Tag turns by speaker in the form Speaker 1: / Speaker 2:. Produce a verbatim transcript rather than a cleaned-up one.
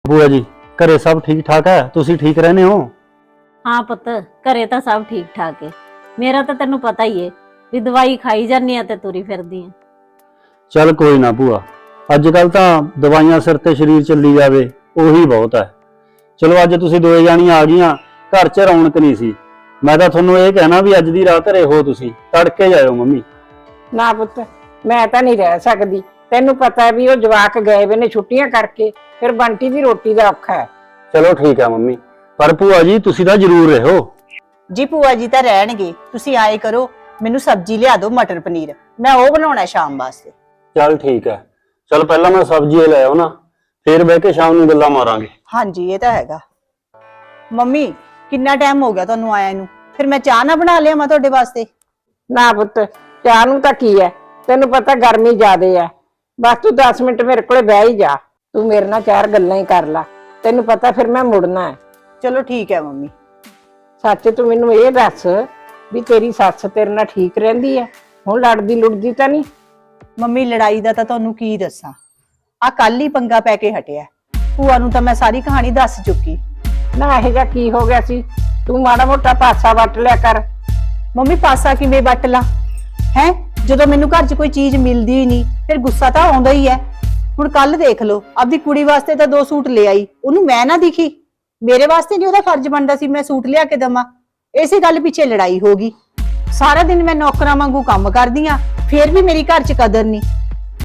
Speaker 1: ਬੂਆ ਜੀ ਘਰੇ ਸਭ ਠੀਕ ਠਾਕ ਹੈ? ਤੁਸੀਂ ਠੀਕ ਰਹਿੰਦੇ ਹੋ?
Speaker 2: हाँ पुत घरे तो सब ठीक ठाक है। मेरा तो तेनू पता ही है भी दवाई खाई जानी है ते तुरी फिरदी है।
Speaker 1: ਚੱਲ ਕੋਈ ਨਾ ਭੂਆ, ਅੱਜ ਕੱਲ ਤਾਂ ਦਵਾਈਆਂ ਸਿਰ ਤੇ ਸਰੀਰ ਚੱਲੀ ਜਾਵੇ ਉਹੀ ਬਹੁਤ ਹੈ। ਚਲੋ ਅੱਜ ਤੁਸੀਂ ਦੋਏ ਜਾਣੀਆਂ ਆ ਗਈਆਂ, ਘਰ 'ਚ ਰੌਣਕ ਨਹੀਂ ਸੀ। ਮੈਂ ਤਾਂ ਤੁਹਾਨੂੰ ਇਹ ਕਹਿਣਾ ਵੀ ਅੱਜ ਦੀ ਰਾਤ ਰਹੋ, ਤੁਸੀਂ ਤੜਕੇ ਜਾਇਓ ਮੰਮੀ।
Speaker 3: ਨਾ ਪੁੱਤ ਮੈਂ ਤਾਂ ਨਹੀਂ ਰਹਿ ਸਕਦੀ, ਤੈਨੂੰ ਪਤਾ ਹੈ ਵੀ ਉਹ ਜਵਾਕ ਗਏ ਵੇ ਨੇ ਛੁੱਟੀਆਂ ਕਰਕੇ, ਫਿਰ ਬੰਟੀ ਦੀ ਰੋਟੀ ਦਾ ਔਖਾ ਹੈ।
Speaker 1: ਚਲੋ ਠੀਕ ਹੈ ਮੰਮੀ, ਪਰ ਭੂਆ ਜੀ ਤੁਸੀਂ ਤਾਂ ਜ਼ਰੂਰ ਰਹੋ।
Speaker 4: जी भूआ जी तो रहणगे, तुसी आए करो, मैनू सब्जी लिया दो मटर पनीर, मैं वो बनाना शाम वास्ते।
Speaker 1: ਚੱਲ ਠੀਕ ਹੈ, ਚਲ ਪਹਿਲਾਂ ਮੈਂ ਸਬਜ਼ੀ ਲੈ ਆਉ ਨਾ, ਫਿਰ ਬਹਿ ਕੇ ਸ਼ਾਮ ਨੂੰ ਗੱਲਾਂ ਮਾਰਾਂਗੇ।
Speaker 4: हाँ जी ये तो हैगा। मम्मी कितना टाइम हो गया तुहानू आया नू, फिर मैं चाह ना बना लिया मैं तुहाडे वास्ते।
Speaker 3: ਨਾ ਪੁੱਤ ਚਾਹ ਨੂੰ ਤਾਂ ਕੀ ਹੈ, ਤੈਨੂੰ ਪਤਾ ਗਰਮੀ ਜ਼ਿਆਦੇ ਹੈ। ਬਸ ਤੂੰ ਦਸ ਮਿੰਟ ਮੇਰੇ ਕੋਲੇ ਬਹਿ ਹੀ ਜਾ, ਤੂੰ ਮੇਰੇ ਨਾਲ ਚਾਰ ਗੱਲਾਂ ਹੀ ਕਰ ਲੈ, ਤੈਨੂੰ ਪਤਾ ਫਿਰ ਮੈਂ ਮੁੜਨਾ ਹੈ।
Speaker 4: चलो ठीक है मम्मी।
Speaker 3: ਸੱਚ ਤੂੰ ਮੈਨੂੰ ਇਹ ਦੱਸ ਵੀ ਤੇਰੀ ਸੱਸ ਤੇਰੇ ਨਾਲ ਠੀਕ ਰਹਿੰਦੀ ਹੈ, ਹੁਣ ਲੜਦੀ ਲੁੜਦੀ ਤਾਂ ਨਹੀਂ?
Speaker 4: मम्मी लड़ाई दा तां तुहानू की दस्सां, आ कल ही पंगा पै के हटिया। भूआ नू तां मैं सारी कहानी दस चुकी।
Speaker 3: ਨਾ ਇਹ ਜਿਹਾ ਕੀ ਹੋ ਗਿਆ ਸੀ, ਤੂੰ ਮਾੜਾ ਮੋਟਾ ਪਾਸਾ ਵੱਟ ਲਿਆ ਕਰ।
Speaker 4: ਮੰਮੀ ਪਾਸਾ ਕਿਵੇਂ ਵੱਟ ਲਾ ਹੈ, ਜਦੋਂ ਮੈਨੂੰ ਘਰ 'ਚ ਕੋਈ ਚੀਜ਼ ਮਿਲਦੀ ਹੀ ਨਹੀਂ ਫਿਰ ਗੁੱਸਾ ਤਾਂ ਆਉਂਦਾ ਹੀ ਹੈ। ਹੁਣ ਕੱਲ ਦੇਖ ਲਓ, ਆਪਦੀ ਕੁੜੀ ਵਾਸਤੇ ਤਾਂ ਦੋ ਸੂਟ ਲੈ ਆਈ, ਉਹਨੂੰ ਮੈਂ ਨਾ ਦਿਖੀ, ਮੇਰੇ ਵਾਸਤੇ ਨਹੀਂ ਉਹਦਾ ਫਰਜ਼ ਬਣਦਾ ਸੀ ਮੈਂ ਸੂਟ ਲਿਆ ਕੇ ਦਵਾਂ। ਇਸੇ ਗੱਲ ਪਿੱਛੇ ਲੜਾਈ ਹੋ ਗਈ। ਸਾਰਾ ਦਿਨ ਮੈਂ ਨੌਕਰਾਂ ਵਾਂਗੂ ਕੰਮ ਕਰਦੀ ਆ, ਫਿਰ ਵੀ ਮੇਰੀ ਘਰ 'ਚ ਕਦਰ ਨਹੀਂ।